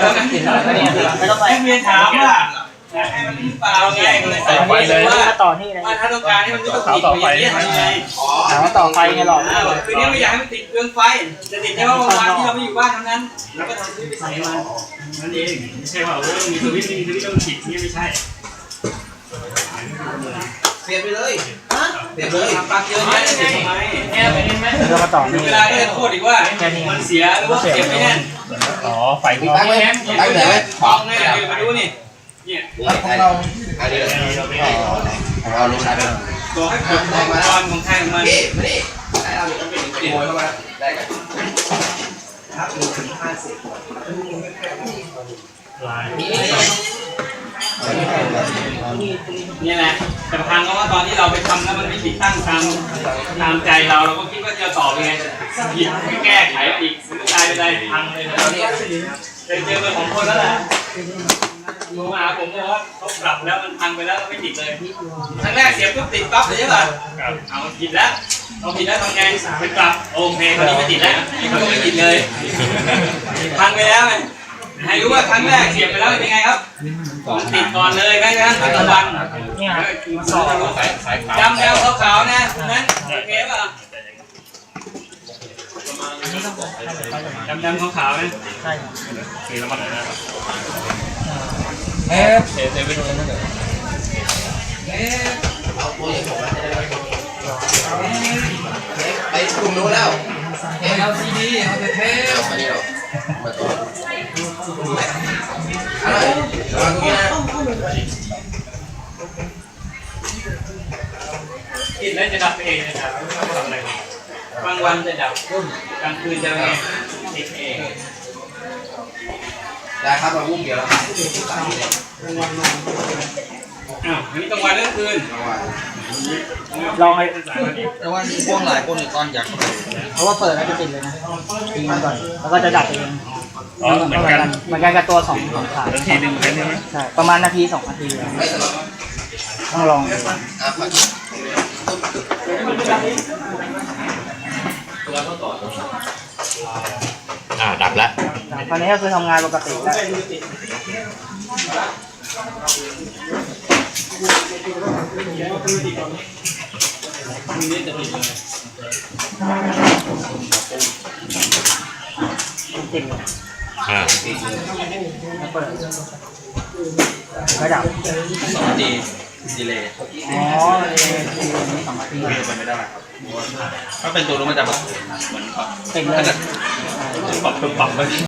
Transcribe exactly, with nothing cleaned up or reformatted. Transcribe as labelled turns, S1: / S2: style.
S1: แล้วนะไม่ต้องไปเรียนถามว่าให้มันหรือเปล่าไงเลยใส่ไฟเลยว่าต่อที่อะไรว่าถ้าต้องการให้มันไม่ต้องติดอย่างนี้ทำยังไงถามว่าต่อไฟไงหรอคือนี้ไม่อยากให้มันติดเครื่องไฟจะติดแค่ว่าวันที่เราไม่อยู่บ้านเท่านั้นแล้วก็ทำซื้อไปใส่มันนั่นเองไม่ใช่ว่าเออมีสวิตช์มีสวิตช์ต้องติดนี่ไม่ใช่เปลี่ยนไปเลยเปลี่ยนเลยปลั๊กเยอะแยะเปลี่ยนทำไมแง่ไปเห็นไหมเรามาต่อเวลาก็จะโทษอีกว่ามันเสียหรือว่าเสียไม่แน่น
S2: อ๋อไฟ
S1: ตั้งไว้ตั้งไหนบอกแน่เลยมาดูนี่เนี่ย
S3: ของเราอันนี้ของเราลงใช้ไป
S1: ตัวให้ผมตอนของไทยของมัน
S3: นี่มาดิได้เราต้องเป็นขโมยเข้ามาได้กันครับหนึ่งถึงห้าสิบ
S1: นี่แหละแต่พังก็ว่าตอนที่เราไปทำแล้วมันไม่ติดตั้งตามตามใจเราเราก็คิดว่าจะต่อยังไงหยิบไม่แก้ไขอีกสุดท้ายไปได้พังเลยตอนนี้เคยเจอเป็นของคนแล้วแหละดูมาผมบอกว่าเขาปรับแล้วมันพังไปแล้วไม่ติดเลยครั้งแรกเสียบปุ๊บติดปั๊บเลยใช่ป่ะเอาผิดแล้วเอาผิดแล้วทำไงไปปรับโอเคคราวนี้ไม่ติดแล้วเขาไม่ติดเลยพังไปแล้วไงให้รู้ว่าครั้งแรกเสียบไปแล้วเป็นไงครับมันติดก่อนเลยไหมครับปัจจุบันจำแนวขาวๆนะนั้นโอเคป่ะจำแนวขาวๆนะใช่คือแล้วมันอะไรนะ
S3: เอ๊ะเอ๊ะไปดูนั่นเลยเอ๊ะเอาตัวอย่างผมไปกลุ่มนู้นแล้วเอลซีดีเอาไปเทปมาดิหรอมาตัวอะไรวางงี้นะ
S1: กินแล้วจะดับเองนะครับไม่ต้องทำอะไรบางวันจะดับกลางคืนจะไงติดเอง
S3: ได้ครับเราวุ้งเดียวแล้ว
S1: อ้าวอันนี้กลางวันหรือกลางคืน
S2: ลองให้
S3: แต่ว่ามีพวกหลายคนในตอนอยาก
S2: เพราะว่าเปิดแล้วจะติดเลยนะทิ้งมันก่อนแล้วก็จะดับเองอ๋อเหมือนกันเหมือนกันกับตัวสองสองขา
S1: นาทีหนึ่งใช่ไหม
S2: ใช่ประมาณนาทีสองนาทีต้องลอง
S3: อ่าดับแล้ว
S2: ตอนนี้ก็คือทำงานปกติแล้วติด
S3: อ่า
S2: แล้วเปิดระดับ
S3: สองนาทีดีเลย
S2: อ๋อดีเลยสองนาที
S3: เป็นไม่ได้ถ้าเป็นตัวนู้นมันจะแบบเหมือน
S2: ติดเลย
S3: ปรับปรับไป